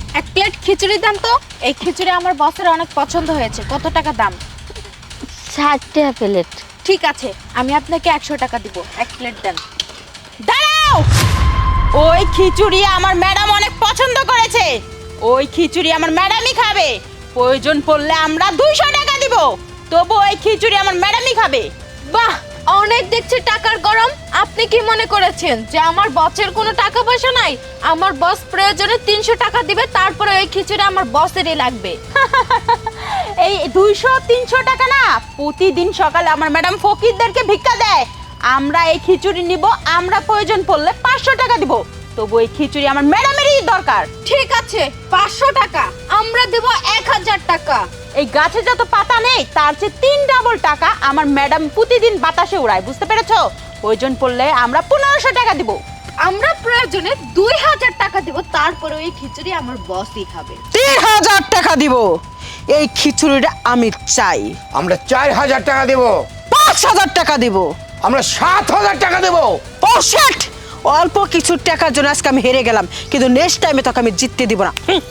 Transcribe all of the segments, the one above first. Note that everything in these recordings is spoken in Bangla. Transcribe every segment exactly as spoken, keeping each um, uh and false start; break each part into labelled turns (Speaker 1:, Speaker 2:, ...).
Speaker 1: এক প্লেট খিচুড়ি দেন তো। এই খিচুড়ি আমার বসের অনেক পছন্দ হয়েছে। কত টাকা দাম?
Speaker 2: ষাট টাকা প্লেট।
Speaker 1: ঠিক আছে, আমি আপনাকে একশো টাকা দিব। এক প্লেট দেন। দাঁড়াও! ওই খিচুড়ি আমার ম্যাডাম অনেক পছন্দ করেছে। ওই খিচুড়ি আমার ম্যাডামই খাবে। প্রয়োজন পড়লে আমরা দুইশো টাকা দিব, তবু ওই খিচুড়ি আমার ম্যাডামই খাবে। বাহ, অনেক দেখছি টাকার গরম। আপনি কি মনে করেছেন যে আমার বসের কোনো টাকা পয়সা নাই? আমার বস প্রয়োজনে তিনশো টাকা দিবে, তারপরে ওই খিচুড়ি আমার বসেরই লাগবে। এই দুইশো তিনশো টাকা না, প্রতিদিন সকালে আমার ম্যাডাম ফকিরদেরকে ভিক্ষা দেয়। আমরা এই খিচুড়ি নিব, আমরা প্রয়োজন পড়লে পাঁচশো টাকা দিব, তবু এই খিচুড়ি আমার ম্যাডামেরই দরকার। ঠিক আছে, পাঁচশো টাকা। আমরা দেব এক হাজার টাকা। এই গাছে যত পাতা নেই তার চেয়ে তিন ডাবল টাকা আমার ম্যাডাম প্রতিদিন বাতাসে উড়ায়, বুঝতে পেরেছো? প্রয়োজন পড়লে আমরা পনেরোশো টাকা দিব। আমরা প্রয়োজনে দুই হাজার টাকা দিব, তারপরে ওই খিচুড়ি আমার বসই খাবে।
Speaker 3: তিন হাজার টাকা দিব। এই খিচুড়িটা আমি চাই।
Speaker 4: আমরা চার হাজার টাকা দেব।
Speaker 3: পাঁচ হাজার টাকা দিব।
Speaker 4: আমরা সাত হাজার টাকা দেব।
Speaker 3: ও শেট! অল্প কিছু টাকার জন্য আজকে আমি হেরে গেলাম, কিন্তু নেক্সট টাইমে তোকে আমি জিততে দিব না। হুম।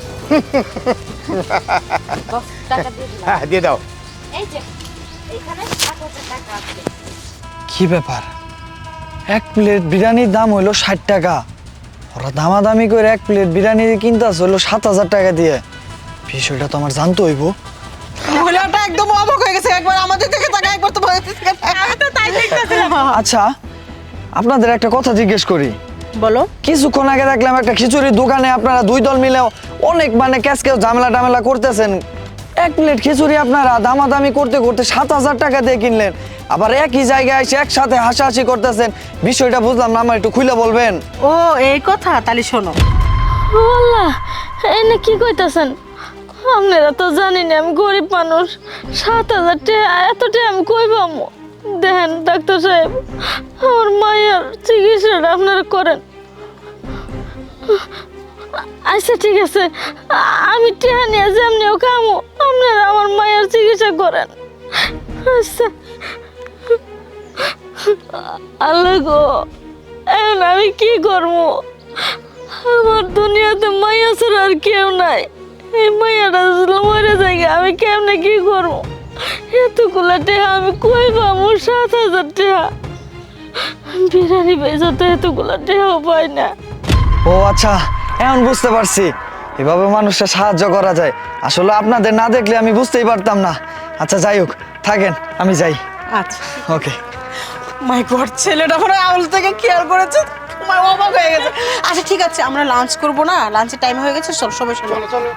Speaker 1: বস, টাকা দিয়ে দিলাম।
Speaker 4: হ্যাঁ, দিয়ে দাও।
Speaker 1: এই যে এখানে সাত হাজার টাকা আছে।
Speaker 5: কি ব্যাপার, এক প্লেট বিরিয়ানির দাম হইলো ষাট টাকা, ওরা দামাদামি করে এক প্লেট বিরিয়ানি কিনতে আসে হইলো সাত হাজার টাকা দিয়ে। বিষয়টা তো আমার জানতে হইব।
Speaker 3: মহিলাটা একদম অবাক হয়ে গেছে, একবার আমাদের দিকে তাকায়, একবার তো ভয় পেয়েছে।
Speaker 1: আমি তো তাই দেখতেছিলাম।
Speaker 5: আচ্ছা, আপনাদের একটা কথা জিজ্ঞেস করি।
Speaker 3: বলো।
Speaker 5: কিছুক্ষণ আগে দেখলাম একটা খিচুড়ির দোকানে আপনারা দুই দল মিলে অনেক মানে ক্যাশ ক্যাশ ঝামেলা টামেলা করতেছেন। এক প্লেট খিচুড়ি আপনারা দামাদামি করতে করতে সাত হাজার টাকা দিয়ে কিনলেন, আবার একই জায়গায় এসে একসাথে হাসাহাসি করতেছেন। বিষয়টা বুঝলাম না, আমার একটু খুলে বলবেন?
Speaker 3: ও এই কথা, তাহলে শোনো।
Speaker 2: আল্লাহ, এনে কি কইতাছেন? আপনারা তো জানি না আমি গরিব মানুষ। সাত হাজার টাকা এত টাকা আমি কই পাবো? দেখেন ডাক্তার সাহেব, আমার মায়ের চিকিৎসাটা আপনারা করেন। আচ্ছা ঠিক আছে, আমি টেহা নিয়ে যেমনিও কামো, আপনারা আমার মায়ের চিকিৎসা করেন। আচ্ছা। আল্লাহ গো, এখন আমি কি করবো? আমার দুনিয়াতে মাইয়া ছাড়া আর কেউ নাই। এই মাইয়াটা যদি মরে যায়, আমি কেমনে কি করবো? এতগুলা টেহা আমি কই পাবো? সাত হাজার টেহা বিরিয়ানি বেচা তো এতগুলা টেহাও পাই না।
Speaker 5: ও আচ্ছা, এখন বুঝতে পারছি এভাবে মানুষকে সাহায্য করা যায়। আসলে আপনাদের না দেখলে আমি বুঝতেই পারতাম না। আচ্ছা যাই হোক, থাকেন, আমি যাই।
Speaker 3: আচ্ছা।
Speaker 5: ওকে।
Speaker 3: মাই গড, ছেলেটা মনে হয় আউল থেকে খেয়াল করেছে, তোমার অবাক হয়ে গেছে। আচ্ছা ঠিক আছে, আমরা লাঞ্চ করবো না? লাঞ্চের টাইম হয়ে গেছে, চল সবাই চলো।
Speaker 4: চলো।